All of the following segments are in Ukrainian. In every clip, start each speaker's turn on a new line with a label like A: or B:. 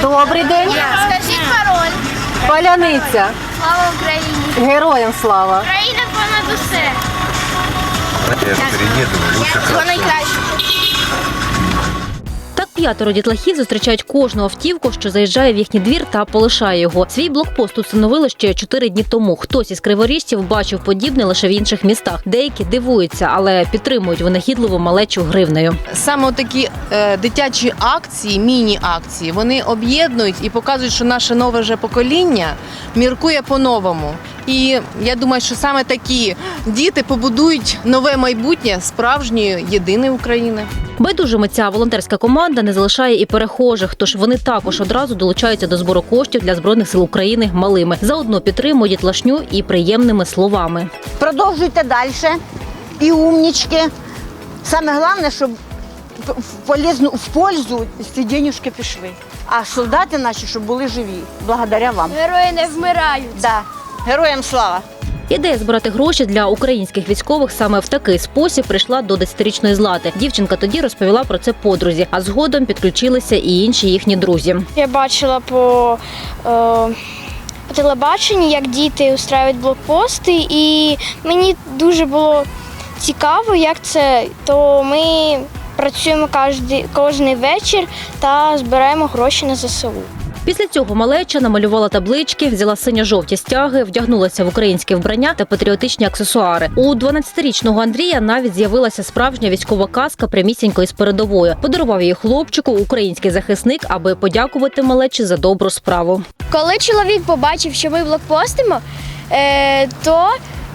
A: Добрий день.
B: Скажіть пароль.
A: Паляниця.
B: Слава Україні.
A: Героям слава.
B: Україна понад усе.
C: Я перееду, лучше
B: Всього найкраще.
D: Так 5 дітлахів зустрічають кожну автівку, що заїжджає в їхній двір та полишає його. Свій блокпост тут встановили ще 4 дні тому. Хтось із криворіжців бачив подібне лише в інших містах. Деякі дивуються, але підтримують винахідливу малечу гривнею.
E: Саме такі дитячі акції, міні-акції, вони об'єднують і показують, що наше нове вже покоління міркує по-новому. І я думаю, що саме такі діти побудують нове майбутнє справжньої єдиної України.
D: Байдужими ця волонтерська команда не залишає і перехожих, тож вони також одразу долучаються до збору коштів для Збройних сил України малими. Заодно підтримують дітлашню і приємними словами.
F: Продовжуйте далі. І умнічки. Саме головне, щоб в пользу ці денежки пішли. А солдати наші, щоб були живі. Благодаря вам.
B: Герої не вмирають.
F: Да. Героям слава!
D: Ідея збирати гроші для українських військових саме в такий спосіб прийшла до 10-річної Злати. Дівчинка тоді розповіла про це подрузі, а згодом підключилися і інші їхні друзі.
G: Я бачила по телебаченні, як діти устраюють блокпости, і мені дуже було цікаво, як це. То ми працюємо кожен вечір та збираємо гроші на ЗСУ.
D: Після цього малеча намалювала таблички, взяла синьо-жовті стяги, вдягнулася в українське вбрання та патріотичні аксесуари. У 12-річного Андрія навіть з'явилася справжня військова каска прямісінько із передової. Подарував її хлопчику український захисник, аби подякувати малечі за добру справу.
G: Коли чоловік побачив, що ми блокпостимо, то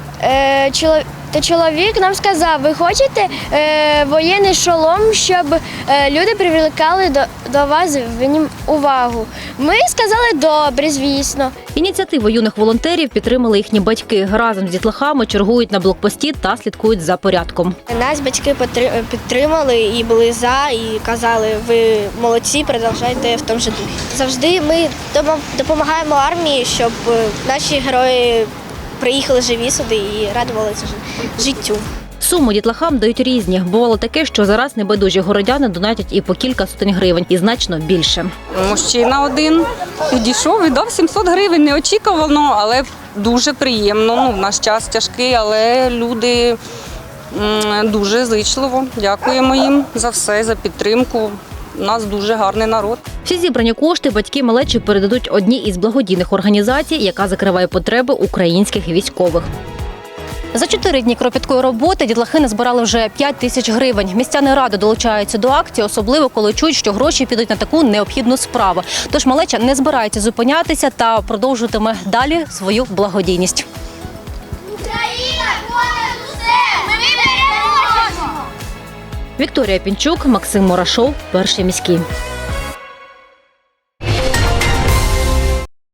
G: чоловік нам сказав: ви хочете воєнний шолом, щоб люди привлекали до вас увагу. Ми сказали добре, звісно.
D: Ініціативу юних волонтерів підтримали їхні батьки. Разом з дітлахами чергують на блокпості та слідкують за порядком.
G: Нас батьки підтримали і були за, і казали: ви молодці, продовжуйте в тому ж духі. Завжди ми допомагаємо армії, щоб наші герої приїхали живі сюди і радувалися життю.
D: Суми дітлахам дають різні. Бувало таке, що зараз небайдужі городяни донатять і по кілька сотень гривень, і значно більше.
H: Мужчина один підійшов і дав 700 гривень. Неочікувано, але дуже приємно. В наш час тяжкий, але люди дуже зичливо. Дякуємо їм за все, за підтримку. У нас дуже гарний народ.
D: Всі зібрані кошти батьки малечі передадуть одній із благодійних організацій, яка закриває потреби українських військових. За 4 дні кропіткої роботи дітлахи назбирали вже 5 тисяч гривень. Містяни ради долучаються до акції, особливо коли чують, що гроші підуть на таку необхідну справу. Тож малеча не збирається зупинятися та продовжуватиме далі свою благодійність.
B: Україна понад усе! Ми переможемо!
D: Вікторія Пінчук, Максим Мурашов, Перший міський.